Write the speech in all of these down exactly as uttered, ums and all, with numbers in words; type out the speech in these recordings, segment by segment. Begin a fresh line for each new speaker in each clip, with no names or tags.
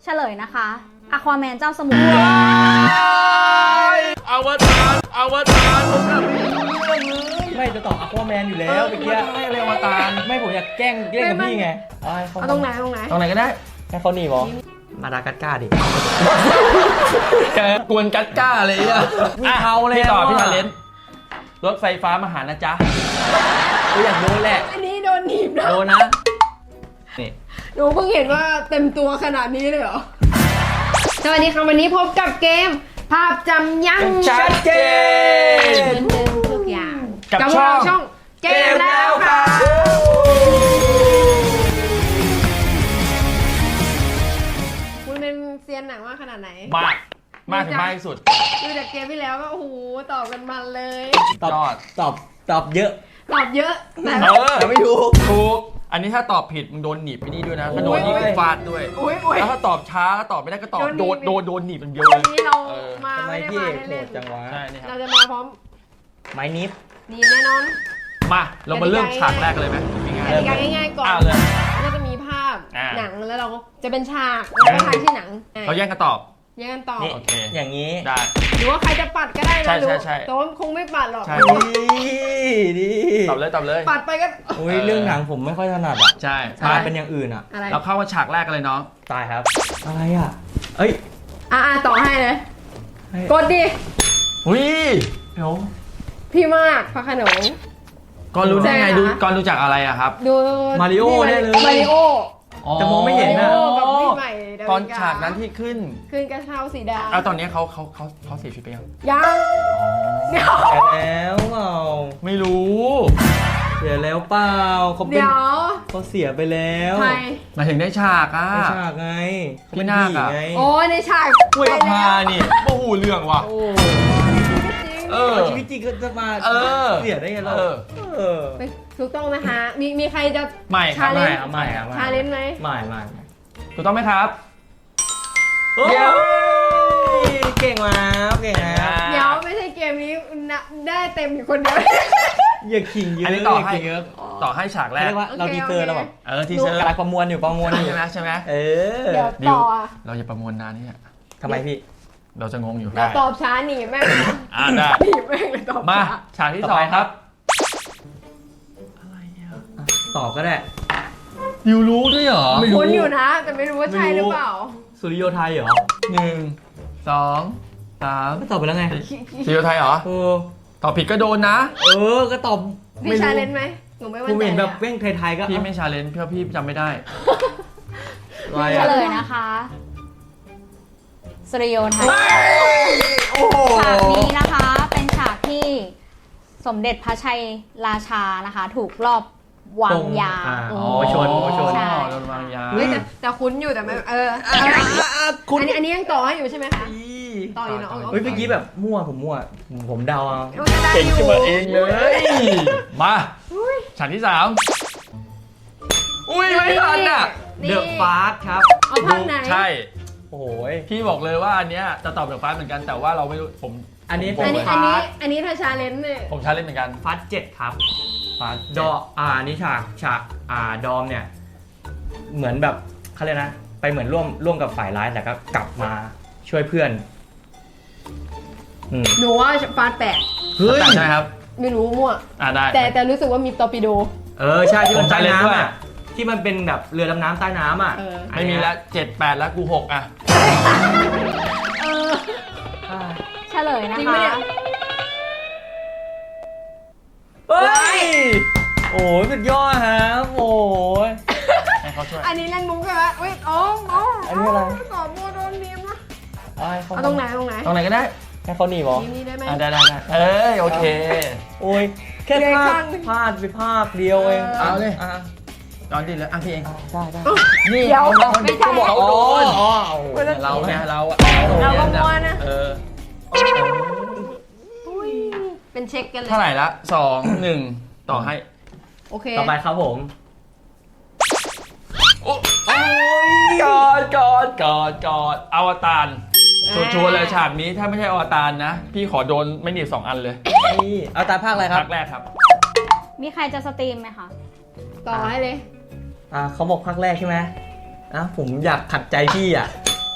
เฉลยนะคะอควาแมนเจ้าสมุทร
อวตารอวตารผมแบบไม่รู้เรื่องเลย
ไม่จะตอบอควาแมนอยู่แล้วเมื่อกี้
ไม่เรียกอวตาร
ไม่ผมอยากแกล้งเล่นกับพี่ไงเอาให้เขา
เอาตรงไหนตรงไหน
ตรงไหนก็ได้
ให้เขาหนีบอมาดากัสการ์ดิ
แกกวนกัดก้าเลยอ่ะ
มีเขาเลย
พี่ต่อ
อะ
พี่ทาเลนรถไฟฟ้ามาหานะจ๊ะ
กูอยากโดนแหละ
อันนี้โดนหนีบนะ
โดนนะนี่
หนูเพิ่งเห็นว่าเต็มตัวขนาดนี้เลยเหรอสวัสดีค่ะวันนี้พบกับเกม ภาพจำยัง
ชัดเจน
เหมือนเดิมทุกอย่าง
กับ
พว
ช่อง
เราช่องเกมแล้วค่ะ คุณเป็นเซียนหนังมากขนาดไหน
มากมากถึงมากที่สุด
ดูจากเกมที่แล้วก็โอ้โหตอบกันมันเลย
ตอบ
ยอด
ตอบตอบเยอะ
ตอบเยอะแต่
เออ
แต่ไม่ถูก
ถูกอันนี้ถ้าตอบผิดมึงโดนหนีบไปนี่ด้วยนะถ้าโดนนี่
โอ้ย
ก็ฟาดด้วย
อุ้ยอุ้ย
แล้วถ้าตอบช้าตอบไม่ได้ก็ตอบ
โด
โด
น
น
หนีบ
โดนโดนหนีบมันเดียวเล
วัน
ย
นี้เรา
เออ
มา
ทำไม
ไม่ได้
พี่
มา
เอกโห
เล่
ด
น
จังวะ
ใช่นี่ค
ๆ
รั
เรา
บ
จะมาพร้อม
ไม้นิฟ
ดีแน่นอน
มาเรามาเริ่มฉากแรกเลยไหมง่าย
กติกาง่ายๆก่อน
อ้าวเลย
ก็จะมีภาพ
อ่า
หนังแล้วเราก็จะเป็นฉากแล้วก็ทายชื่อหนังอ่ะ
ๆเราแย่งกันตอบ
แย่งกันตอบ
นี่
โอเค
อย่างนี้
ได้
หรือว่าใครจะปัดก็ได้
ใช่
นะหรือ
ใช่ใช่
แต่ว่าคงไม่ปัดหรอก
ใช่
ดีดี
ตอบเลยตอบเลย
ปัดไปก็
อุ้ยเรื่องหนังผมไม่ค่อยถนัดอ่ะ
ใช่
ใช่
ตายเป็นอย่างอื่นอ่ะ
อะไร
เราเข้ามาฉากแรกกันเลยน้อง
ตายครับ อะไรอ่ะ เอ้ย
อ่าต่อให้เลย
ให้
กดดิ
อุ้ย
เดี๋ยว
พี่มากพระโขนง
ก่อนรู้ได้ไง
ใช่ค่ะ
ดูก่อนรู้จักอะไรอะครับ
ดู
มาริโอ
นี่
แน่เลย
มาริโอ
แต่มองไม่เห็น
มา
นะ
ริโอกับพี่ใหม่ดาวิกา
ตอนฉากนั้นที่ขึ้น
คืนกระเช้าสีดา
เอาตอนนี้เขาเขาเขาเขาเสียชีวิตไปยัง
ยังเดี๋ยว
เสียแล้วเปล่า
ไม่รู้
เสียแล้วเปล่าเขาเป็น
เดี๋ยว
เขาเสียไปแล้ว
ใคร
หมายถึงได้ฉากอะ
ไม่ฉากไงเขาเป็น
พี่นาค
ผี
อะ
ไง
โอ้ยในฉาก
คุยกับ
ไป
พา
แล้ว
นี่โอ้โหเรื่องว่ะ
โอ้
จริง
เออ
ชีวิตจริงก็จะมา
เออ
เสียได้ไงเรา
เออ
เออ
ไปถูกต้องนะคะ มีมีใครจะ
ไม่ครับ
ชาเล
ไม่
นจ์
เอาไม่เอาไม่
ชาเลนจ์ไหม
ไม่ไม่ไม่
ถูกต้องไหมครับ
เดี๋ยวเก่งแล้วเก่งแล้ว
เดี๋ยวไม่ใช่เกมนี้นะได้เต็มอยู่คนเดียว
อย่าขิงเยอะ
อันนี้ต่อให้
ย่าขิงเยอะ
ต่อให้ฉากแร
เรี
ก
ยกว่าเรา
โอเค
ดีเซอร์เราแบบ
เออทีเซอร์
กำลังประมวลอยู่ประมวลอยู่
ใช่ไหมใช่ไหม
เออ
เดี๋ยว
ดิว
ต่ออ่ะ
เราอย่าประมวลนานนี่อะ
ทำไมพี่
เราจะงงอยู่
เดี๋ยวตอบช้าหนีแม่งเลย
อ่าได้
หนีแม่งเลยตอบ
มา
ช้า
ฉากที่สองครับ
ตอบก็ได้
ดิวรู้ด้วยเหรอ
ไม่รู้
คุ้นอยู่นะ แต่ไม่รู้ว่าใช่หรือเปล่า
สุริโยไทยเหรอ
หนึ่งสองสาม
ก็ตอบไปแล้วไง
ซีโอไทยเหรอ
เออ
ตอบผิดก็โดนนะ
เออก็ตอบ
พี่ชาเลนจ์ไหมหนูไม่
ผ
มั่น
ม
ใจ
เห็นแบบ
อะ
เว้งไทยๆก็
พี่ไม่ชาเลนจ์เพราะพี่จำไม่ได้
อะไร
เฉ
อะ
ลยนะคะสริโยไทย
โอ้โห
ฉากนี้นะคะเป็นฉากที่สมเด็จพระชัยราชานะคะ ถูกลอบวางยา
อ่
โอ้
โอ้ชนโอ้ชน
ใช่
โดนวางยา
เฮ้ยแต่แต่คุ้นอยู่แต่ไม่เออ
คุณ
อันนี้อันนี้ยังต่อให้อยู่ใช่ไหมคะ ต่ออยู่เนอะ
เฮ้ยเมื่อกี้แบบมั่วผมมั่วผมผมเดาเอา
ได้
เก่ง
อยู่
ขึ้นมาเองเลย มาฉากที่สามอุ้ยไม่ทันอ่ะ
เดอะฟาสครับ
เอาภาคไหน
ใช่
โอ้โหย
พี่บอกเลยว่าอันเนี้ยจะตอบแบบฟ้าเหมือนกันแต่ว่าเราไม่รู้ผม
อันนี้
ผม
อันนี้
ผม
อันนี้อันนี้ถ้าชาเลนจ์เนี่ย
ผมชาเล่นเหมือนกัน
ฟาสเจ็ดครับ
ฟ้า
ดออ่านี่ฉากฉากอ่าดอมเนี่ย เหมือนแบบเขาเรียกนะ ไปเหมือนร่วมร่วมกับฝ่ายร้ายแต่ก็กลับมาช่วยเพื่อนอืม
หนูว่าฟาดแปด
เฮ้ย
ใช่ไหมครับ
ไม่รู้มั่ว
อ่าได้
แต่แต่รู้สึกว่ามีตอร์ปิโด
เออใช่ที่มัน
ผม
ใต้
จำเล่นด้วย
น้ำอ่ะที่มันเป็นแบบเรือดำน้ำใต้น้ำอ่ะ
เออ
ไม่มีแล้วเจ็ดแปดแล้วกูหกอ่ะ
เออ
อ่า
เฉลยนะ
จริงปะ
คะ
เนี่ย
เฮ้ยโอ้ยสุดยอดครับโอ้ย
ให้เขาช่วย
อันนี้เล่นมุกใช่ไหมอุ้ยอ๋ออ๋อ
อันนี้อะไร
ตอบมัวโดนเนียมนะ
เอาให้เขา
เอาตรงไหนตรงไหน
ตรงไหนก็ได้
ให้เขาหนีบอ
นี่นี่ได้ไหม
อ่าได้ได้ได้เอ้ยโอเค
โอ้ยแค่
เรียก
พลา
ข้า
ด
ง
พลาดไปภาคเดียวเอง
เอาเลย
อ่ะ
ตอนดีแล้วอ่ะพี่เอง
ได้ได้
นี่
เดี๋ยว
เขา
ไม่ใช่
เขาบอกเขาโดน
อ๋อโอ้โห
เราเนี่ยเราอะ
เราก็มัวนะ
เออ
อุ้ยเป็นเช็คกันเลย
เท่าไหร่ละสองหนึ่งต่อให้
โอเค
ต่อไปครับผม
โอ้ยกอดกอดกอดกอดอวตารชัวร์ๆเลยฉากนี้ถ้าไม่ใช่อวตารนะ พี่ขอโดนไม่หนีบสองอันเลย
นี่เอาตามภาคอะไรครั
ภา
บ
คแรกครับ
มีใครจะสตรีมไหมคะ
ต่อให้เลย
อ่าเขาบอกภาคแรกใช่ไหมอ่ะผมอยากขัดใจพี่อ่ะ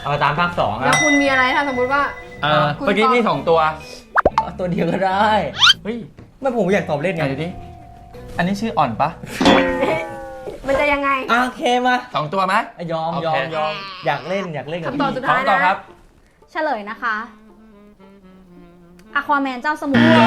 อวตารภาคสอง
แล้
อะ
วคุณมีอะไรถ้าสมมติว่า
เออ
คุณ
เมื่อกี้
ตอบ
มีสองตัว
เอาตัวเดียวก็ได้
เฮ้ย
ไม่ผมอยากตอบเล่น
ไห
ไง
นดูดิอันนี้ชื่ออ่อนปะ
มันจะยังไง
อ่ะโอเคมา
สองตัวไหม
อ่ะยอม
โอเค
ยอมยอมอยากเล่นอยากเล่นกับ
คำตอบ
พี่
สุด
พร้อ
ท้าม ย
ต่อ
นะครับ
เฉลยนะคะอควาแมนเจ้าสมุทร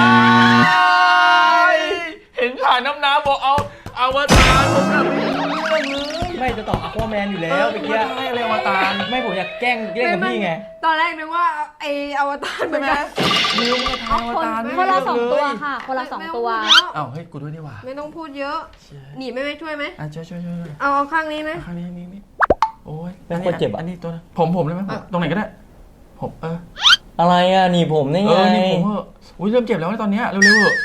เห็นถ่ายน้ำน้ำบอกเอาอวตารผมแบบไม่รู้เรื่องเลย
ไม่จะตอบอควาแมนอยู่แล้วเมื่อกี้
ไม่เลยอวตาร
ไม่ผมอยากแกล้งเล่นกับพี่ไง
ตอนแรกนึกว่าไออวตารเหมือนกัน
ไม่รู้ไม่ทายอว
คน
ตาร
คนละสองตัว
เลย
ค่ะ คนละสองตัว
เอ้าเฮ้ยกูด้วยนี่หว่า
ไม่ต้องพูดเยอะ หนีไม่ไม่ช่วยไหม
อ่ะช่วยช่วยช่วยช่วย
เอาเอาข้างนี้นะ
ข้างนี้นี่นี่โอ้ย
เป็นคนเจ็บอะ
อันนี้ตัวนะผมผมเลยไหมผม
อ่ะ
ตรงไหนก็ได้ผมเออ
อะไรอ่ะหนี่ผมนี่
เอ
ไง
อนี่ผมเหอะอุ้ยเริ่มเจ็บแล้วนะตอนเนี้ยเร็วๆเหอะ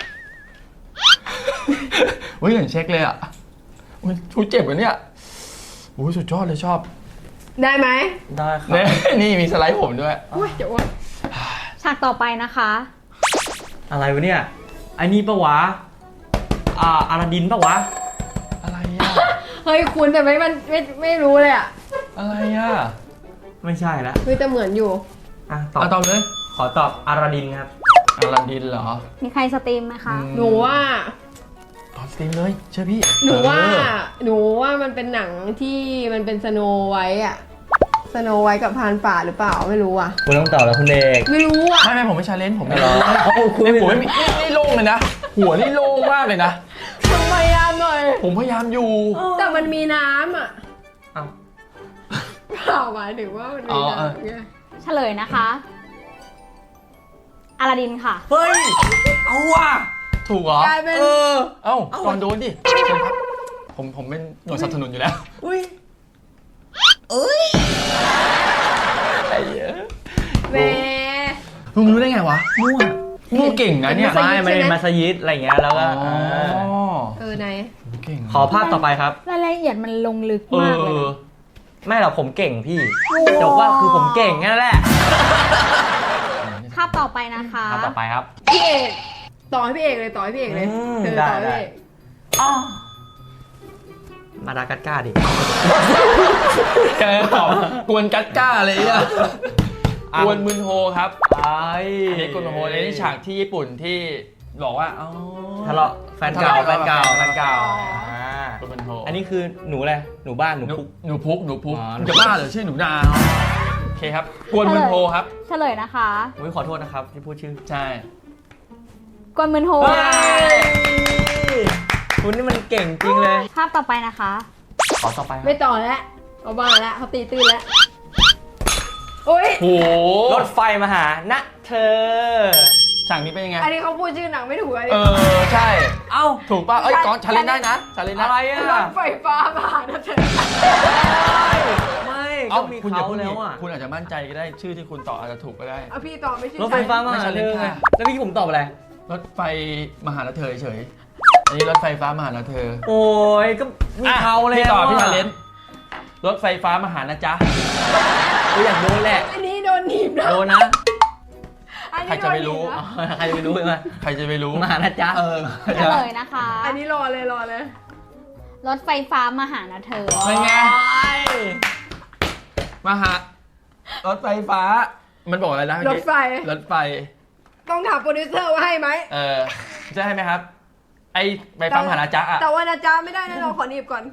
อุ้ยอย่างเช็คเลยอ่ะอุ้ยชูเจ็บเหรอเนี่ยอุ้ยสุดยอดเลยชอบ
ได้ไหม
ได้ครับ
เนี่ยนี่มีสไลด์ผมด้วย
อุ้ยเดี๋ยวอ้วน
ฉากต่อไปนะคะ
อะไรวะเนี่ยไอ้นี่ปะวะอ่าอาราดินปะวะ
อะไรอ่ะ
เฮ้ยคุณแต่ไม่มันไม่ไม่รู้เลยอ่ะ
อะไรอ่ะ
ไม่ใช่ละ
เฮ้ยแต่เหมือนอยู่
อ่ะตอบ
อ่ะตอบเลย
ขอตอบอาราดินครับ
อาลาดินเหรอ
มีใครสตรีมไหมคะ
อืม
หนูว่า
ตอบสตรีมเลยเชื่อพี่
หนูว่า
เออ
หนูว่ามันเป็นหนังที่มันเป็นสโนไวท์อะสโนไวท์กับพรานป่าหรือเปล่าไม่รู้อ่ะ
คุณต้องตอบแล้วคุณเอก
ไม่รู้อ่ะ
ไม่ไม่ผมไม่ชาเลนจ์ผมไม่
เหรอ
รู้
เอาคุณ
นี่ผมไม่มีนี่นี่โล่งเลยนะ หัวนี่โล่งมากเลยนะ
ทำไมอ่ะหน่อย
ผมพยายามอยู่
แต่มันมีน้ำอ่ะ
เอ้า
เปล่าหมายถึงว่ามันมี
อ๋อเออ
น้ำไง
เฉลยนะคะอลาดินค่ะ
เฮ้ยเอาว่ะ
ถูกเหรอ
กลายเป็น
เออ
เอ้า
เอ้า
ก่อนโดนดิเชิญครับผมผมเป็นหน่วยสนับสนุนอยู่แล้ว
อุ้ยเอ้ย
ไอ้เหี้ย
แหม
มึงรู้ได้ไงวะมั่วมั่วเก่งนะเนี่ย
เป็น
ไม่
มั
ไม่
สยิดใช่ไหม
มัสยิดอะไรอย่างเงี้ยแล้วก็
อ๋อ
เออไหน
เก่ง
ขอภาพต่อไปครับ
รายละเอียดมันลงลึก
เอ
มากเลย
อ
นะ
ไม่หรอกผมเก่งพี่จบว่าคือผมเก่งนั่นแหละ
ภาพต่อไปนะคะ
ภาพต่อไปครับ
พี่เอกต่อให้พี่เอกเลยต่อให้พี่เอกเลย
อืม
เออ
ได้
ต่อให้
ได้
พี่เอก
อ้าวมาดากัสการ์ดิ
แกตอบกวนกัดก้าเลยอ่ะ
อ่ะ
กวนมึนโฮครับ
ไอ้
อันนี้กวนมึนโฮในนี่ฉากที่ญี่ปุ่นที่บอกว่าอ๋อ
ทะเลาะแฟนเก่า
ทะเลาะ
แฟนเก่า
แฟนเก่า
อ่าก
วนมึนโฮ
อันนี้คือหนูอะไรหนูบ้านหนู
หนู
คุก
หนูพุกหนูพุก
อ๋อ
มึงจะบ้าเหรอชื่อหนูนาโอเคครับ กวนมึนโฮครับ
เฉลยนะคะ
อุ้ยขอโทษนะครับที่พูดชื่อ
ใช่
กวนมืนโฮ
เฮ้ยคุณนี่มันเก่งจริงเลย
ภาพต่อไปนะคะ
ขอต่อไปครับ
ไม่ต่อแล้วเอาบ้าแล้วเขาตีตื้นแล้วโอ้ย
โห
รถไฟมาหาณเธอ
ฉากนี้เป็นยังไง
อันนี้เขาพูดชื่อหนังไม่ถูกอันนี้
เออ ใช่
เอ้า
ถูกป่ะ เอ้ยก่อนชาเลนได้นะชาเลนได้
อะไรอ่ะ
รถไฟฟ้ามาหานะเธอ
ไม่
เอ้า
ก็มี
คุณอย่า
เขา
พูด
แล้
แล้ว ว
อ่ะ
คุณอาจจะมั่นใจก็ได้ชื่อที่คุณตอบอาจจะถูกก็ได้
เอาพี่ต่อไม่ใช่
รถไฟฟ้ามา
ไม่
หา
ใช่
เธอ
ค่ะ
แล้วพี่ผมตอบอะไร
รถไฟมาหาละเธอเฉยอันนี้รถไฟฟ้ามาหาละเธอ
โอ้ยก็มีเขาแล้ว
พี่ตอบพี่
ะ
ชาเลนรถไฟฟ้ามาหานะจ๊ะ
กูอยากโดนแหละ
อันนี้โดนหนีบนะ
โดนนะ
อันนี้
ใครจะไปรู้
โดนหนีบนะ
ใครจะไปรู้ไหม
ใครจะไปรู้
มานะจ๊ะ
เออ
เฉลยนะคะ
อันนี้รอเลยรอเลย
รถไฟฟ้ามาหานะเธอ
เป็นไง มาหา รถไฟฟ้า มันบอกอะไรนะ
รถไฟ
รถไฟ
ต้องถามโปรดิวเซอร์ว่าให้ไหม
เออ จะให้ไหมครับ ไอไฟฟ้ามาหานะจ๊ะอะ
แต่ว่านะจ๊ะไม่ได้นะเราขอหนีบก่อน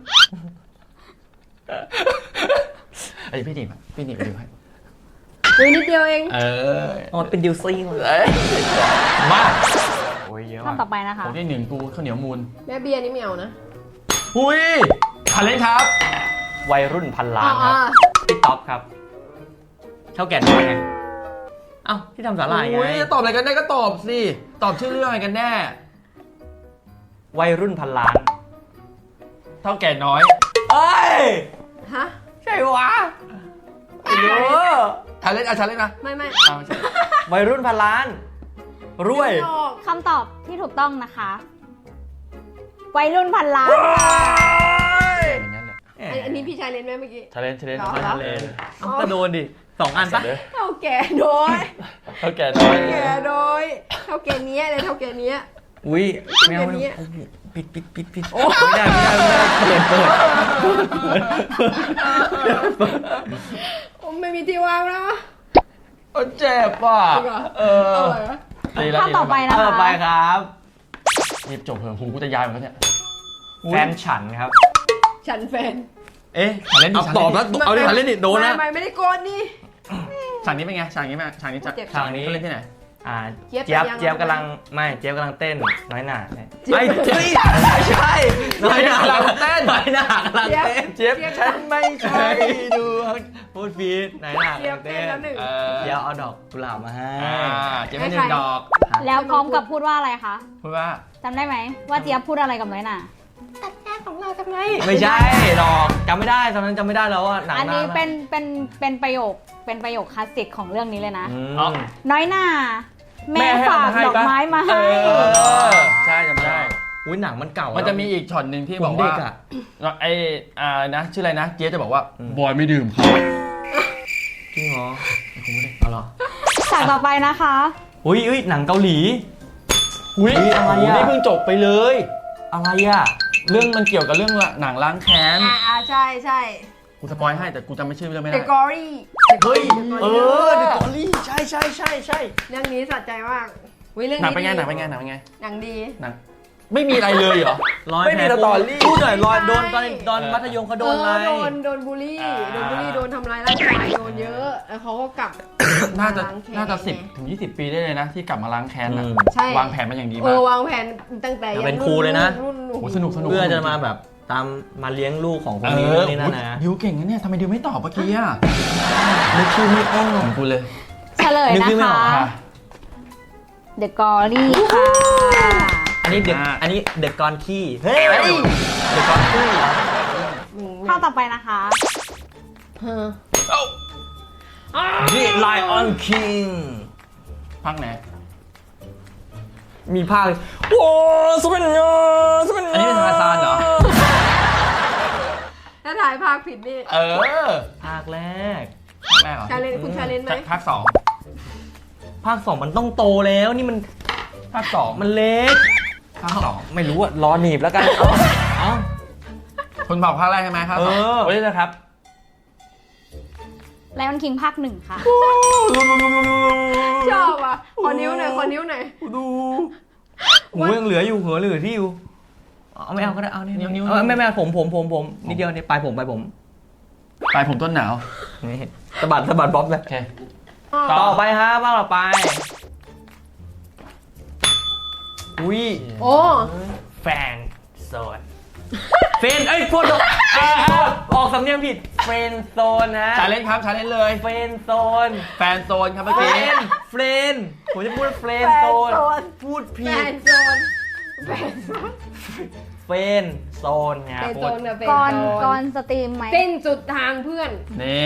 ไอยพี่หนีบอะพี่หนีบไปดูให้
อุ้ยนิดเดียวเอง
เออ
อ๋อเป็นดิวซี่เลย
เอ้ยมา
โอ้ยเยอะ
ภาพ
มาก
ต่อไปนะคะ
ของที่หนึ่งกูข้าวเหนียวมูล
แม่เบียร์นี่ไม่เอานะ
อุ้ยชาเลนครับ
วัยรุ่นพันล้า
อ๋
นครับ
อ
พี่ท็อปครับเท่าแก่น้อยไงเอ้าที่ทำสาหร่ายไง
อุ้ยจะตอบอะไรกันได้ก็ตอบสิ ตอบชื่อเรื่องอะไรกันแน่
วัยรุ่นพันล้าน
เท่าแก่น้อย
เอ้ย
ฮะ
ใช่วะไม่รู้
ชาเลนอ่ะชาเลนนะ
ไม่ไม่
อ้าวไม่ใช่
วัยรุ่นพันล้าน รวย
ไม่ออก
คำตอบที่ถูกต้องนะคะ วัยรุ่นพันล้าน
อย่างนั้นแหละ
อันอันนี้พี่ชายเล่นไหมเมื่อกี้
ชาเลนชาเลน
เหรอ
ชาเลน
เอ้าก็โดนดิสองอันปะ
เท่าแก่น้อย
เท่าแก่น้อย
แก่น้อยเท่าแก่เนี้ยเลยเท่าแก่เนี้ย
อุ้ยไม่เอา
เป็นอย่างนี้
ไม่เอาปิดปิดปิดปิดโอ้ไม่ได้ไม่ได้ไม่ได้เปิดเปิด
โอ้ไม่มีมีที่วางแล้ว
เออเจ็บว่ะ
จริงเหรอ
เออ
เอาเลยนะ
ดีแล้ว
ภาพต่อไปนะ
ต่อ
คะ
ไปครับ
รีบจบเถอะหูกูจะยายหมดแล้วเนี่ย
แฟนฉันครับ
ฉันแฟน
เอ๊ะ
ฉันเล่นดิ
เอา
ฉัน
ตอบแล้ว
เล่นดิ
เอาดิฉันเล่นดิโดนนะ
ไม่ไม่ไม่ได้โกนนี่
ฉากนี้เป็นไงฉากนี้เป็นไงฉากนี้จะ
เจ็บ
ฉากนี้
เขาเล่นที่ไหน
อ่า
เจี๊
เจี๊ย
ย
บบ เจี๊ยบ
แต่ยัง
กำลังไม่เจี๊ยบกำลังเต้นน้อยหน่า
เจี๊ยบ
ไม่เฮ้ยไม่ใช่น้อยหน่ากำลังเต้นน้อยหน่ากำลังเต้น
เจี๊ยบฉันไม่ใช่ดู
พูดฟีดน้อยหน่ากำ
เจี๊ย
ลั
บ
ง
เต้
เต้
น
น
แล้วหนึ่ง
เออ
เจี๊ยบเอาดอกกุหลาบมาให้
อ่าเจี๊ยบให้หนึ่งดอก
แล้วพร้อมกับพูดว่าอะไรคะ
พูดว่า
จำได้ไหมว่าเจี๊ยบพูดอะไรกับน้อยหน่า
ไม่ใช่ดอกจำไม่ได้ตอนนั้นจำไม่ได้แล้วว่าหนัง
อันนี้
า
เป็นเป็นเป็นประโยคเป็นประโยคคลาสสิกของเรื่องนี้เลยนะ
อืม
อ๋อ
น้อยหน่าแม่
ให้
ฝาก
เอ
ดอกไม้มาให้
เออใช่จำได้
อุ้ยหนังมันเก่า
มั
มัน
จะมีอีกช็อตหนึ่งที่
บบ อ
อก ก
ว่า
ว่าไอ้อ่านะชื่ออะไรนะเจี๊ยบจะบอกว่า
อืม
บอยไม่ดื่มครับ
จริงเหรอเอาเหรอ
ฉากต่อไปนะคะ
อุ้ยอุ้ยหนังเกาหลี
อุ้ย
อุ๊ยอะไรอะ
นี่เพิ่งจบไปเลย
อะไรอ่ะ
เรื่องมันเกี่ยวกับเรื่องหนังล้างแค้น
อ่าอ่าใช่ใช่
กูสปอยให้แต่กูจำไม่ชื่อเรื่องไม่
เด
ได้
อะกอรี่
เฮ้ยเออเดอะกอรี่ใช่ใช่ใช่ใช่
เรื่องนี้สะใจมากวิเรื่อง
หนัง
นี้
เป็นไง
ดี
หนังเป็นไงหนังเป็นไง
หนังดี
หนังไม่มีอะไรเลยเหรอ
รอย
ไม่มี
แผล
สตอรี่
พูดหน่อยรอยโดนตอน
ใช่
ตอนมัธยมเขาโดนอะไร
เออโดนโดนบูลลี่
อ่า
โดนบูลลี่โดนทำร้ายร่างกายโดนเยอะแล้วเขาก็กลับ
น่าจะ
ล้งแค้
น่าจะสิบ
ไง
ถึงยี่สิบปีได้เลยนะ ที่กลับมาล้างแค้นนะ
อืม
ใช่
วางแผนมาอย่างดี
เอ
มาก
อวางแผนตั้งแต่
จะเป็นครูเลยนะ
รุ่น
โอ้สนุกสนุก
เพื่อจะมาแบบตามมาเลี้ยงลูกของคน
เอ
นี้
อ
นี่นั่นนะ
ดิวเก่งนะเนี่ยทำไมดิวไม่ตอบเมื่อกี้อ่ะ
นึกชื่อไม่ออก
ของกูเลย
เฉลย
นึก
นะ
ชื่อไม่อ
คะ
อก
ค่ะ
The Glory ค่ะ
อันนี้เด็ก
อ่า
อันนี้เด็กกรขี้เฮ้ยเด็กกรขี้
อืม
ข้อต่อไปนะคะ
เออ
นี่ Lion King
พักไหน
มีภาคโอ้สุดเป็นยอดสุดเป็นยอด
อันนี้เป็นทาซานเหรอ
ถ้าถ่ายภาคผิดนี่
เออ
ภาคแรก
ภาคแรกเหรอ
ชาเลนคุณชาเลนไหม
ภาคสอง
ภาคสองมันต้องโตแล้วนี่มัน
ภาคสอง
มันเล็ก
ภาคสอง
ไม่รู้อะรอหนีบแล้วกัน เอาเอา
คุณบอกภาคแรกใช่ไหมครับ
เออ
โอ้ยนะครับ
Lion King ภาคหนึ่งค่ะ
ชอบอ่ะขอนิ้วหน่อยขอนิ้วหน่อย
ดูหูยังเหลืออยู่หัวเหลือที่อยู่เอาไม่เอาก็ได้เอานี่
นิ้วนิ้ว
เอาไม่ไม่เอาผมผมผมผมนิดเดียวนี่ปลายผมปลายผม
ปลายผมต้นหนาว
นี่สะบัดสะบัดบ๊อบเลย
โอเค
ต่อไปฮะบ้างต่อไปอุ้ย
โอ้
แฟนโซนเฟนเอ้ยพูดออกเอ้ยพูดออกสำเนียงผิดเฟนโซนนะ
ชาเลนจ์ครับชาเลนจ์เลย
เฟนโซน
แฟนโซนครับเมื่อ
เฟ
กี้
นเฟรนผมจะพูดเฟรนโซนพูด
แฟ
ผิด
นโซนแฟนโซน
เฟนโซนไง
แฟน
พู
โซ
ด
นกับแฟน
ก่อน
โซ
ก่อน นสตรีมไหม
สิ้นสุดทางเพื่อน
นี่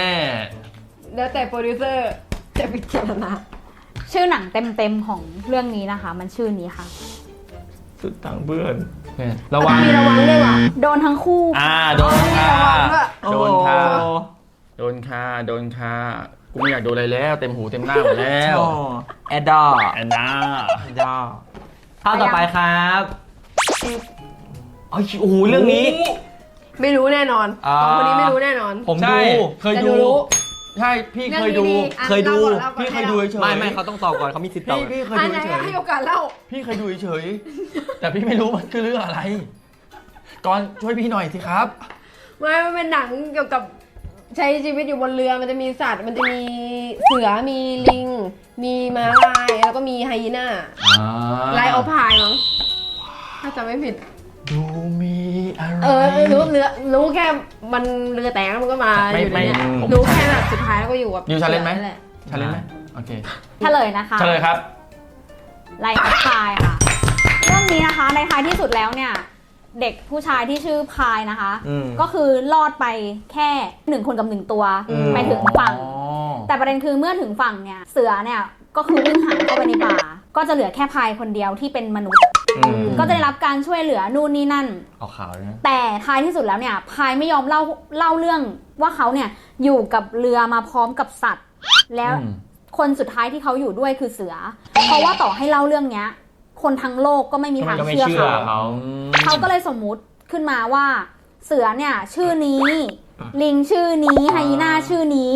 แล้วแต่โปรดิวเซอร์จะพิจารณา
ชื่อหนังเต็มๆของเรื่องนี้นะคะ มันชื่อนี้ค่ะ
สุดทางเพื่อน
ระวัง
มีระวังด้วยว่ะ
โดนทั้งคู่
อ่าโดนค่ะ
ระวังด้วย
โดนค่ะ
โอ้
โดนค่ะโดนค่ะกูไม่อยากโดนอะไรแล้ว เต็มหูเต็มหน้าหมดแล้ว
แอดดอ
แอนนา
แอดดอภาพต่อไปครับโอ้โหเรื่องนี้
ไม่รู้แน่นอน
อ่า
สองคนนี้ไม่รู้แน่นอน
ผม
ใช่
ดู
เคย
แต่
ดู
รู้
ใช่พี่เคยดู
รื่องนี้ๆอ่ะ
เคยดู
ล่าก่อน
พี่
ล่าก่อน
เคยดูเฉยๆ
ไม่ไม่เขาต้องตอบก่อนเขามีสิทธิ์ตอบ
พี่พี่เคย
อัน
ดู
ไหน
เฉย
ให้โอกาสเล่า
ๆพี่เคยดูเฉยๆแต่พี่ไม่รู้มันคือเรื่องอะไรก่อนช่วยพี่หน่อยสิครับ
ไม่มันเป็นหนังเกี่ยวกับใช้ชีวิตอยู่บนเรือ มันจะมีสัตว์ มันจะมีเสือ มีลิง มีม้าลาย แล้วก็มีไฮยีน่าไลออพายมั้งถ้าจำไม่ผิด
ดูมีอะไร
เออรู้เรือรู้แค่มันเรือแตกแล้วมันก็มา
ไม่
อยู่ในเนี้ย
ไม่ผม
รู้แค่แบบสุดท้ายแล้วก็อยู่กับ
ยูชาเลนจ์ไหม
แหละ
ชาเลนจ์ไหมโอเค
เฉลยนะคะ
เฉลยครับ
ไลออฟพายค่ะ เรื่องนี้นะคะในท้ายที่สุดแล้วเนี่ย เด็กผู้ชายที่ชื่อพายนะคะ
อืม
ก็คือรอดไปแค่หนึ่งคนกับหนึ่งตัว
อืม
ไปถึงฝั่ง
อ๋อ
แต่ประเด็นคือเมื่อถึงฝั่งเนี่ย เสือเนี่ยก็คือวิ่งหายเข้าไปในป่า ก็จะเหลือแค่พายคนเดียวที่เป็นมนุษย์
อืม
ก็จะได้รับการช่วยเหลือนู่นนี่นั่น
เอาขาวเลยนะ
แต่ท้ายที่สุดแล้วเนี่ยพายไม่ยอมเล่าเล่าเรื่องว่าเขาเนี่ยอยู่กับเรือมาพร้อมกับสัตว์ แล้ว
อืม
คนสุดท้ายที่เขาอยู่ด้วยคือเสือ เพราะว่าต่อให้เล่าเรื่องเนี้ย คนทั้งโลกก็ไม่มีทาง
ก็ไม่
เชื่อ
เชื่อ
เขา
เขา
เขาก็เลยสมมุติขึ้นมาว่า เสือเนี่ยชื่อนี้ ลิงชื่อนี้ไฮยีน่าชื่อนี้
อ่า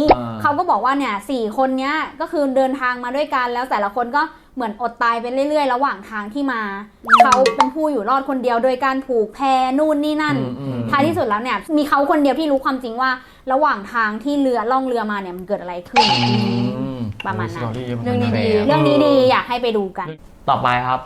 เขาก็บอกว่าเนี่ยสี่คนเนี้ยก็คือเดินทางมาด้วยกันแล้วแต่ละคนก็เหมือนอดตายไปเรื่อยๆระหว่างทางที่มาเขาเป็นผู้อยู่รอดคนเดียวโดยการผูกแพนู่นนี่นั่น
อืมอืม
ท้ายที่สุดแล้วเนี่ยมีเขาคนเดียวที่รู้ความจริงว่าระหว่างทางที่เรือล่องเรือมาเนี่ยมันเกิดอะไรขึ้น
อืม
ประมาณนั้น
สตรี่
เรื่องนี้ดี
เรื่องนี้ดีอยากให้ไปดูกัน
ต่อไปครับ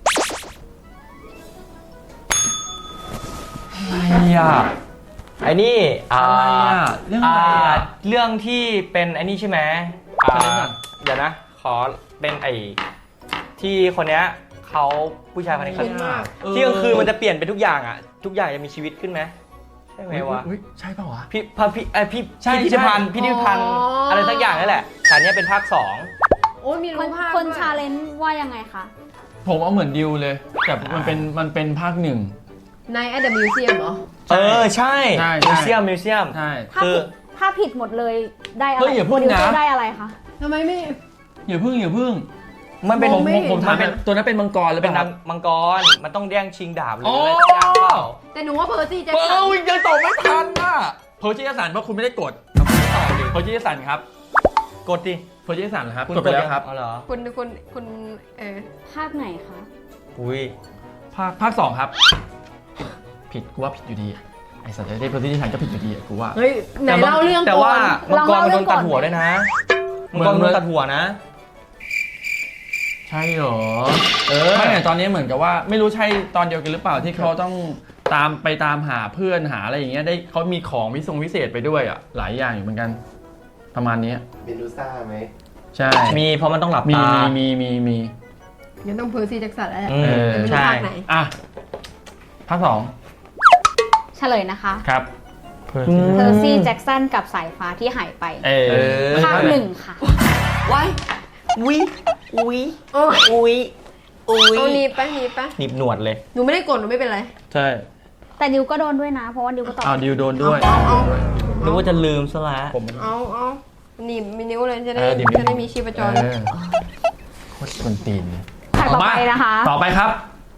อะไรอ่ะไอ้นี่อ่า
อะไรอ่ะเรื่องอะไรอ่ะ
เรื่องที่เป็นไอ้นี่ใช่ไหมอ่า
เฉลยก่อน
เดี๋ยวนะ ขอเป็นไอ้ที่คนเนี้ยเขาผู้ชายคนนี้เขา
เห็นมาก
ที่กลางคืนมันจะเปลี่ยนไปทุกอย่างอ่ะทุกอย่างจะมีชีวิตขึ้นไหมใช่ไหมวะ
อุ๊ยใช่ป่าววะ
พี่พระพี่ไอยพี่
ใช่
พิพิธภัณฑ์
ใช่
พิพิธภัณฑ์
อ๋ออ
อะไรสักอย่างนั่นแหละแต่อันเนี้ยเป็นภาคสอง
โอ้ยมี
ค
รู
น
ปภาพ
คน
ด้วย
ชาเลนจ์ว่ายังไงคะ
ผมเอาเหมือนดิวเลย แต่มันเป็นมันเป็นภาคหนึ่ง
ในแอดเดอะมิวเซียมเหรอ
เออใช่
ใช่ใช่
มิวเซียมมิวเซียม
ใช่
ถ้า
คือ
ผิดถ้าผิดหมดเลยได้อะไร
เฮ้ยอย่าพูดนะ
โปรดิวเซอร์ได้อะไรคะ
ทำไมไม่
อย่าพึ่งอย่าพึ่ง
มันเป็น
ผม
ไม่
ผมผมถาม
มันเป็น
ตัวนั้นเป็นมังกรหรือ
เป็
เป็น น
นางมังกรมันต้องแย่งชิงดาบหรือ
อ๋อ
อะไรสักอย่างเปล่า
แต่หนูว่าเพอร์ซี่แจ็ค
เฮ้
สัน
ยยังตอบไม่ทันน่ะเพอร์จิสันเพราะคุณไม่ได้กดเอาคุณไม่ตอบดิเพอร์จิสันครับ
กดดิ
เพอร์จิสันครับ
คุณ
กดไปแล้วครับ
อ๋อเหรอ
คุณคุณคุณเออ
ภาคไหนคะ
อุ้ย
ภาคภาคสองครับ ผิดกูว่าผิดอยู่ดีไอ้สัตว์ได้เพอร์จิสันก็ผิดอยู่ดีอะกูว่า
เฮ้ยไหนเล่าเรื่อง
แต่
ก่อ
ว่าน มังกรมันโดนตัดหัว
ลองเล่าเรื่องก่อน
ด้วยนะมังกร
เหมื
โด
อน
นตัดหัวนะ
ใช่เหรอ
เออ
ไม่แต่ตอนนี้เหมือนกับว่าไม่รู้ใช่ตอนเดียวกันหรือเปล่าที่เขาต้องตามไปตามหาเพื่อนหาอะไรอย่างเงี้ยได้เขามีของวิทรงวิเศษไปด้วยอ่ะหลายอย่างอยู่เหมือนกัน ประมาณนี้
เมดูซ่าไหม
ใช่
มีเพราะมันต้องหลับ
มี
ตา
มีมีมีมี
งั้นต้องเพอร์ซี่แจ็คสันแล้วแหละ
อืม
เออ
ไม่รู้
ใช่
ภาคไหน
อ่ะภาคสอง
เฉลยนะคะ
ครับ
เพอร์ซี่แจ็คสันกับสายฟ้าที่หายไป
เออ
ภาคหนึ่งค่ะ
ไว้
วิวิ
โอ้ย
อุ้ยอุ้ย
เอาหนีบไปหนีบไป
หนีบหนวดเลย
หนูไม่ได้กดหนูไม่เป็นไร
ใช่
แต่ดิวก็โดนด้วยนะ เพราะว่าดิวก็ตอบ
อ้าวดิวโดนด้วย
เอาเอา
นึกว่าจะลืมซะแล้ว
ผม
เอาเอาหนีบมีนิ้วเลยจะได้
เออหนีบ
จะได้มีชีพจร
เออโคตรกวนตีนเลย
ฉากต่อไปนะคะ
ต่อไปครับ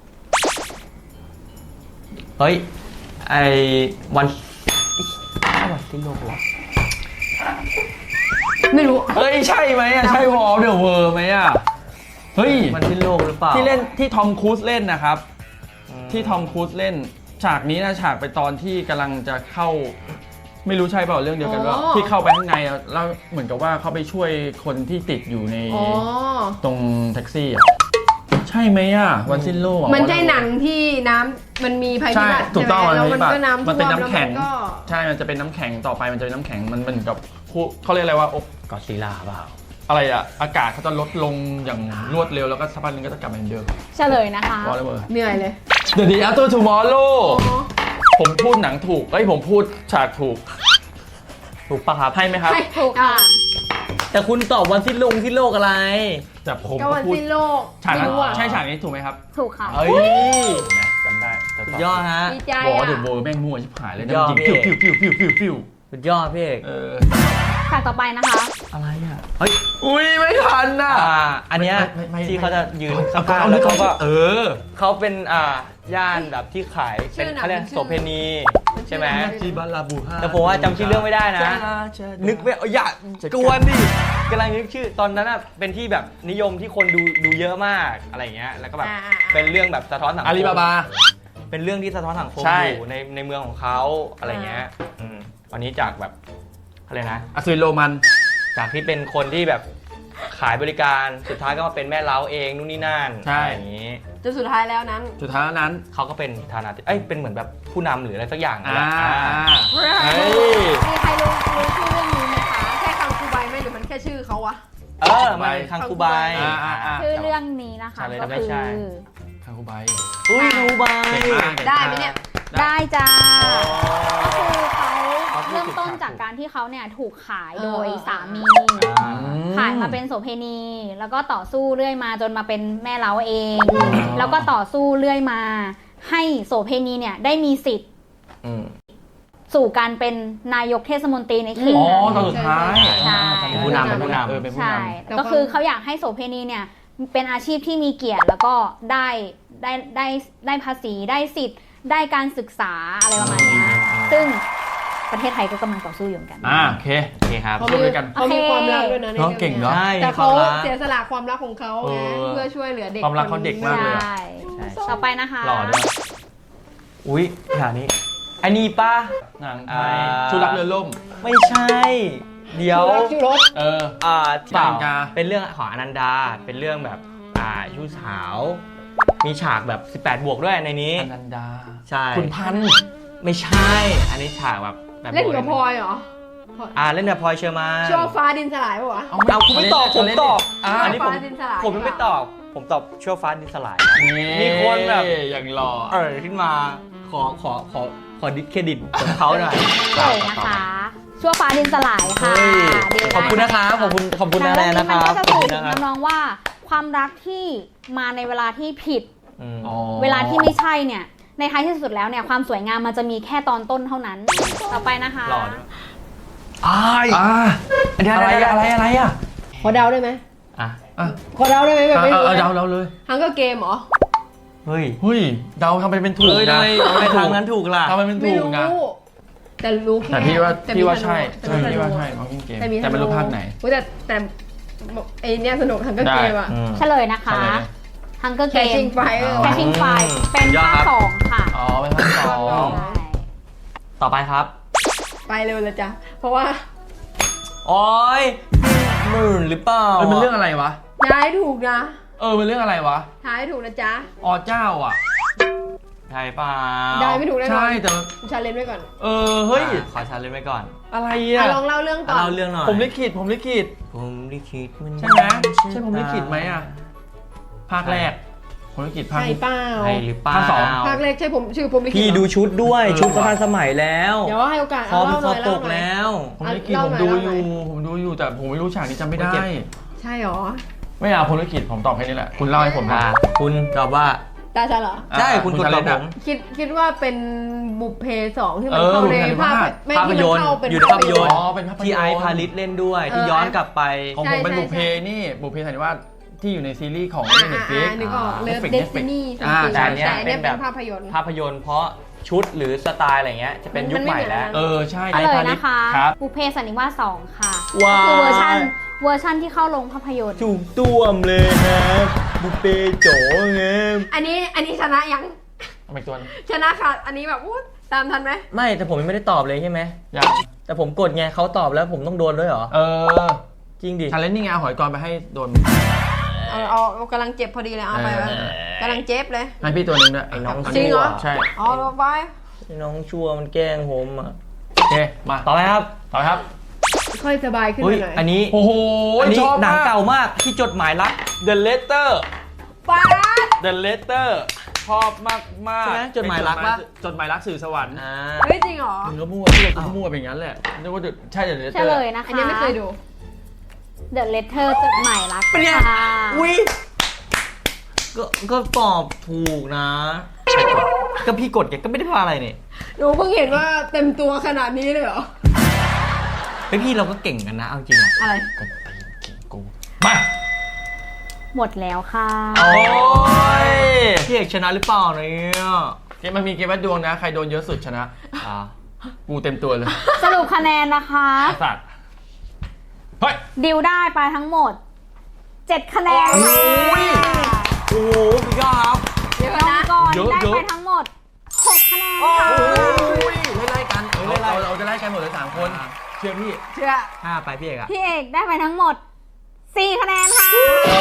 เฮ้ย ไอวันวันที่โลกวะ
ไม่รู้
เฮ้ยใช่ไหมอ่ะใช่วอลเดอะเวอร์ไหมอ่ะเฮ้ย
วันที่โลกหรือเปล่า
ที่เล่นที่ทอมครูซเล่นนะครับ
อืม
ที่ทอมครูซเล่น ฉากนี้นะฉากไปตอนที่กำลังจะเข้า ไม่รู้ใช่เปล่าเรื่องเดียวกันว่า
อ๋อ
ที่เข้าไปข้างในอะแล้วเหมือนกับว่าเขาไปช่วยคนที่ติดอยู่ใน
อ๋อ
ตรงแท็กซี่อ่ะใช่ไหมอ่ะวันสิ้นโลกอะ
มันใช่หนังที่น้ำมันมีภัยพิ
ใช่
บัติ
ถูกต้อง
ใช่ไหมแล้ว
มั
มัน
น
ก็น้ำ
มันเป็น
ท่ว
น้ำแข็ง
ล้วมัก็
ใช่ มันจะเป็นน้ำแข็งต่อไปมันจะเป็นน้ำแข็งมันเหมือนกับผู้เขาเรียกอะไรว่าอก
กอดซีลาเปล่า
อะไรอ่ะอากาศเขาจะลดลงอย่างรวดเร็วแล้วก็สักพักนึงก็จะกลับมาเหมือนเดิม
เฉลยนะคะ
วอลเลเวอร์
เหนื่อยเลย
The Day After Tomorrow
อ๋อ
ผมพูดหนังถูกเอ้ยผมพูดฉากถูก
ถูกปะครับ
ให้ไหมครับ
ให้
ถูกค่ะ
แต่คุณตอบวันสิ้นโลกสิ้นโลกอะไร
แต่ผม
ก็
ก็
วัน
พูด
สิ้นโลก
ฉาก
ไม่
นั้น
รู้อ่ะ
ใช่ฉากนี้ถูกไหมครับ
ถูกค่ะ
เอ้ย
นะจำได้แต่
สุดยอดฮะ
ดีใจ
วอล
อ่ะ
เดอะเวิร์แม่งมั่วชิบหายเลย
สุดยอด
ยิง
พี่
ฟิวฟิวฟิวฟิวฟิวฟิว
สุดยอดพี่เอก
เออ
ฉากต่อไปนะคะ
อะไรอ่ะ เฮ้ย
อุ้ยไม่ทันน่ะ
อ่า อันเนี้ย
ไม่ไม่ไม่
ที่เขาจะยืนข้า
เอา
ง
เอา
ๆแล้วเขาก็
เออ
เขาเป็นอ่าย่านแบบที่ขายเป็นเขาเรียกโสเพณีใช่ไหม
จิบาลาบูฮา
แต่ผมว่าจำชื่อเรื่องไม่ได้นะ นึกไม่เอาอย่ากวนดิกำลังนึกชื่อตอนนั้นอ่ะเป็นที่แบบนิยมที่คนดูดูเยอะมากอะไรเงี้ยแล้วก็แบบ
อ่าอ่าอ่า
เป็นเรื่องแบบสะท้อนสังคม
อาลีบาบา
เป็นเรื่องที่สะท้อนสังคม
ใช่
อยู่ในในเมืองของเขาอะไรเงี้ยอืมวันนี้จากแบบอะไรนะ
อัศวินโรมัน
จากที่เป็นคนที่แบบขายบริการสุดท้ายก็มาเป็นแม่เล้าเองนู่นนี่นั่น
ใช่
อะไรอย่างนี้
จนสุดท้ายแล้วนั้น
สุดท้ายนั้น
เขาก็เป็นฐานะเอ้ยเป็นเหมือนแบบผู้นำหรืออะไรสักอย่างนั่น
อ่า
แหละอ่า
เฮ้ย
มีใครรู้รู้ชื่อเรื่องนี้ไหมคะแค่คังคูไบไหมหรือมันแค่ชื่อเขาวะ
เออมันเป็นคังคูไบ
อ่าอ่าอ่า
ชื่อเรื่องนี้นะคะ
ใช่เลย
ก็
นะไม่
คือ
ใช่
คาคุไบ
อุ้ยคังคูไบ
เก่งมากก่งาก
ได้ไหมเนี่ย
ได้จ้า ก็คือเขา
เขาพูด
เริ่ม
ถึง
ต้น
ฉาก
จากการที่เขาเนี่ยถูกขายโดย
เออ
สามี
อ่า
ขายมาเป็นโสเภณี แล้วก็ต่อสู้เรื่อยมาจนมาเป็นแม่เล้าเอง แล้วก็ต่อสู้เรื่อยมา ให้โสเภณีเนี่ยได้มีสิทธิ์
อืม
สู่การเป็นนายกเทศมนตรีในเขต
อ๋อ
นั้น
ตอนสุดท้าย
ใช่
เป็นผู้นำเป็นผู้นำ
เออเป็นผู้
ใช่
นำ
ก็คือเขาอยากให้โสเภณีเนี่ยเป็นอาชีพที่มีเกียรติแล้วก็ได้ได้ได้ได้ภาษีได้สิทธิ์ ได้การศึกษาอะไรประมาณเนี้ยซึ่งประเทศไทยก็กำลังต่อสู้อยู่เหมือนกัน
อ่าโอเค
โอเคครับ
เขา
สู้
มี
ด้วยกัน
เขามี
โอเค
ความรักด้วยนะใน
น้อง
รื่อง
เก่ง
นี้ย
เนาะ
ใช่
แต่เขา
มีความรัก
เสียสละความรักของเขาไง
เออ
เพื่อช่วยเหลือเด็ก
ความรักเขาเด็กมากเลยอะ
ใช่
ใช่
ต่อไปนะคะ
หล่อด้วย
อุ้ยฉากนี้ไอ้นี่ป้า
หนังไท
อ่า
ยชูรักเรือล่ม
ไม่ใช่ เดี๋ยว
ชูรักชูรส
เออ
อ่าเปล่า
อนันดา
เป็นเรื่องของอนันดา เป็นเรื่องแบบอ่าชู้สาว มีฉากแบบสิบแปดบวกด้วยในนี้
อนันดา
ใช่
คุณพันธุ์
ไม่ใช่ อันนี้ฉากแบบแบบ
เล่นกับพลอยเหรอ
อ่าเล่นกับพลอยเชอร์มาน
ชั่วฟ้าดินสลายปะวะ
เอา
เอาคุณไม่ตอบผมตอบ
อ่า
อันนี้ผม
ฟ้าดินสลาย
ผมยังไม่ตอบ ผมตอบชั่วฟ้าดินสลาย
นี่
มีคนแบบ
อย่างหล่อ
เออขึ้นมาขอขอขอขอดิสเครดิตของเขาหน่อย
เลยนะคะ ชั่วฟ้าดินสลายค่ะ
เฮ้ย
ดีได้
ขอบคุณนะครับขอบคุณขอบคุณ
หนั
นาง แร
เรื่อง
นะ
นี้
ค
มัน
รับ
ก็จะ
ขอบ
สื่
คุ
อ
ณ
ถึ
นะ
ง
ครับ
น้องๆว่าความรักที่มาในเวลาที่ผิด
อืม
อ๋อ
เวลาที่ไม่ใช่เนี่ย ในท้ายที่สุดแล้วเนี่ยความสวยงามมันจะมีแค่ตอนต้นเท่านั้น ต่อไปนะคะ
หล่อด้วย
อ้ายอ่า
เดี๋ยว
อะไร
เดี๋ยว
อะไรอะไรอ่ะ
ขอเดาได้ไหม
อ่ะ
อ่ะ
ขอเดาได้ไหมแบบ
เอา
ไม่รู้
เอา
นะ
เดาเราเลย
ฮังเกอร์เกมเหรอ
เฮ้ย
เฮ้ยเดาทำไปเป็นถูก
เฮ้ยทำ
นะ
ไมทำไมทางนั้นถูกล่ะ
ทำไปเป็น
ไม่
ถูก
รู้
นะ
แต่รู้แค่
แต่พี่ว่า
แต่
พี่ว่า
ธนู
ใช่
แต่
ใช่
มีธ
พี่
นู
ว่าใช่มองกิ้งเกม
แต่มีธนู
แต่ไม่รู้ภาคไหน
อุ๊ยแต่แต่ไอเนี้ยสนุกฮังเกอร์เกมอะ
อืม
เฉลยนะคะ
เฉลย
Hunger Game
Catching Fire
Catching Fire เป็น
ยอด
ภา
ครั
ค
บ
สองค่ะ
อ๋อเป็นภาคสอง
ใช่
ต่อไปครับ
ไปเร็วเลยจ้ะ เพราะว่า
โอ้ยหมื่นหรือเปล่า
เออมันเรื่องอะไรวะ
ย้ายถูกนะ
เออมันเรื่องอะไรวะ
ท้ายถูกนะจ๊ะ
อ๋อเจ้าอ่ะ
ใช่เปล่า
ได้ไม่ถูกแน่นอน
ใช่แต่
ชาเลนจ์ไว้ก่อน
เออเฮ้ย
อ่ะขอชาเลนจ์ไว้ก่อน
อะไร
อ่ะ
อ่ะ
ลองเล่าเรื่องก่อน
เล่าเรื่องหน่อย
ผมลิขิตผมลิขิต
ผมลิขิตมัน
ใช่ไหมใช่ผมลิขิตไหมอ่ะภาคแรกผมลิขิตภาค
ใช่เปล่า
ใช่หรือเปล่า
ภาคสอง
ภาคแรกใช่ผมชื่อผมลิขิต
พี่
เหรอ
ดูชุดด้วย
เออ
ชุดก็ทันสมัยแล้ว
เดี๋ยวให้โอกาส
คอ
เอา
พี่
เล่าห
คอ
น่อย
ต
เล่าก หน่อย
แล้ว
ผมลิขิต
เล่า
ผม
หน่อย
ดู
เล่า
อ
หน่
ยู่
อย
ผมดูอยู่แต่ผมไม่รู้ฉากนี้จำไม่ได้
ไม่เก็บ
ใช่หรอ
ไม่เอาผมลิขิตผมตอบแค่นี้แหละคุณเล่าให้ผมนะ
อ่ะคุณตอบว่า
ตาฉันเหรอ
ใช่คุณกดตอบผม
คิดคิดว่าเป็นบุพเพสองที่มัน
เออ
เข้าใน
บุพเพ
ภาพ
นิวาส
ไม่
ภาพ
ที่
ย
มัน
นตร์
เข้าเป็น
อยู่ในภาพยนตร์
อ๋อเป็นภาพยนตร์
ที่ไอซ์พาริสเล่นด้วย
เออ
ที่ย้อนกลับไป
ของผมเป็นบุพเพนี่บุพเพสันนิวาสที่อยู่ในซีรีส์ของ
อ่า
เน็ตฟลิ
อ่าก นึกออกเลิฟ
Netflix
เดส
Netflix
ตินี
อ่า
แต่
แต่
อั
อั
น
น
เนี้
เนี้
ย
ย
เป็
เป็น น
แบ
แบบ บ
ภาพยนตร์
ภาพยนตร์เพราะชุดหรือสไตล์อะไรเงี้ยจะเป็นยุคใหม่แล้ว
เออใช่
เฉลยนะคะ
ครับ
บุพเพสันนิวาสสองค่ะ
ว้าว
คือเวอร์ชันเวอร์ชันที่เข้าลงภาพยนตร์
ถูกต้วมเลยครับบุฟเฟ่โจ๋เงี้ย
อันนี้อันนี้ชนะยัง
เอาไปตัวนึง
ชนะค่ะ อันนี้แบบอู้ตามทันไหม
ไม่แต่ผมยังไม่ได้ตอบเลยใช่ไหม
ยัง
แต่ผมกดไงเขาตอบแล้วผมต้องโดนด้วยเหรอ
เออ
จริงดิ
ชาเลนจ์นี่ไงเอาหอยกรไปให้โดน
เอาเอาเอากำลังเจ็บพอดีเลยเอาไป
เออ
วะกำลังเจ็บเลย
ให้พี่ตัวหนึงด้วย
ไอ้น้อง
จริงเหรอ
ใช่
เอาเอาไป
ไอ้น้องชั่วมันแกล้งผมอ่ะ
โอเคมา
ต่อไปครับ
ต่อครับ
ค่อยสบายขึ้น
เฮ้
มาย หน่อย
อันนี้
โอ้โห
อันนี้
ชอบ
หนัง
มาก
เก่ามากที่จดหมายรัก
The Letter
ป๊าด
The Letter ชอบมากมาก
ใช่ไหมจดหมายรักปะ
จดหมายรักสื่อสวรรค์
อ่า
เฮ้ยจริงเหรอ
มึงก็มั่วพี่เราก็มั่วไปอย่างนั้นแหละนึกว่าใช่ The
เฉ
Letter
ลยนะคะ
อันนี้ไม่เคยดู
The Letter จดหมายรัก
เป็นไง
ค่ะ
อุ้ยก็ก็ตอบถูกนะก็พี่กดแกก็ไม่ได้พาอะไรนี่
หนูเพิ่งเห็นว่าเต็มตัวขนาดนี้เลยเหรอ
เฮ้ยพี่เราก็เก่งกันนะเอาจริงอ่ะ
อะไร
ก็ตีนเก่งกูมา
หมดแล้วค่ะ
โอ้ยพี่เอกชนะหรือเปล่าเนี่ย
เกมมันมีเกมวัดดวงนะ ใครโดนเยอะสุดชนะ
อ่า
กูเต็มตัวเลย
สรุปคะแนนนะคะ
สัตว์เฮ้ย
ดิวได้ไปทั้งหมดเจ็ดคะแนนค่ะ
โอ้โหพี่ก้าครับ
เดี๋ยว
น้อง
นะ
กร
เยอะ
ได้
เยอะ
ไปทั้งหมดหกคะแนนค่ะ
ไล่ไล่กันเออไล่เราจะไล่กันหมดเลยสามคน เชื่อพี่
เชื่อ
ห้าไปพี่เอกอะ
พี่เอกได้ไปทั้งหมดสี่คะแนนค่ะ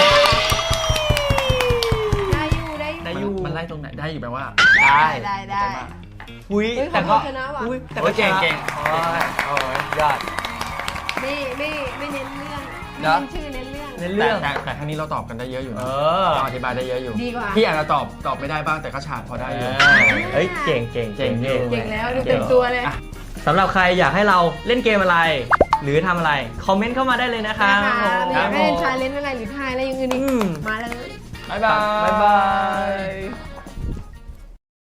ได้อยู่ได้อยู่
ได้อยู่
มันไล่ตรงไหนได้อยู่แปลว่า
ได้
ได้ได้
อุ้ย
เฮ้ย
แต่ก็
เขาชนะว่ะ
อุ้ยแต่
โอ้
ก็
ยเก่ง
ชนะ
เก่ง
โอ้ยโอ้ยยอด
ไม่ไม่ไม่เน้นเรื่อง
เนอะ
เน้นชื่อเน้นเรื่อง
ใน
แต่
เรื่อง
แต่แต่ครั้งนี้เราตอบกันได้เยอะอยู่
เอ
นะ
อ
เราอธิบายได้เยอะอยู่
ดีกว่า
พี่อาจจะตอบตอบไม่ได้บ้างแต่ก็ฉาดพอได้อยู่
เฮ้ยเก่งเก่ง
เก่งอยู่
เก่งแล้วดูเต็มตัวเลย
อ่ะ
สำหรับใครอยากให้เราเล่นเกมอะไร หรือทำอะไร คอมเมนต์เข้ามาได้เลยนะคะ
นะคะหรืออยากให้เล่น
ผม
ชาเลนจ์อะไรหรือทายอะไรอย่างอื่นอีก
อืม
มาเลย
บ๊ายบาย
บ๊ายบาย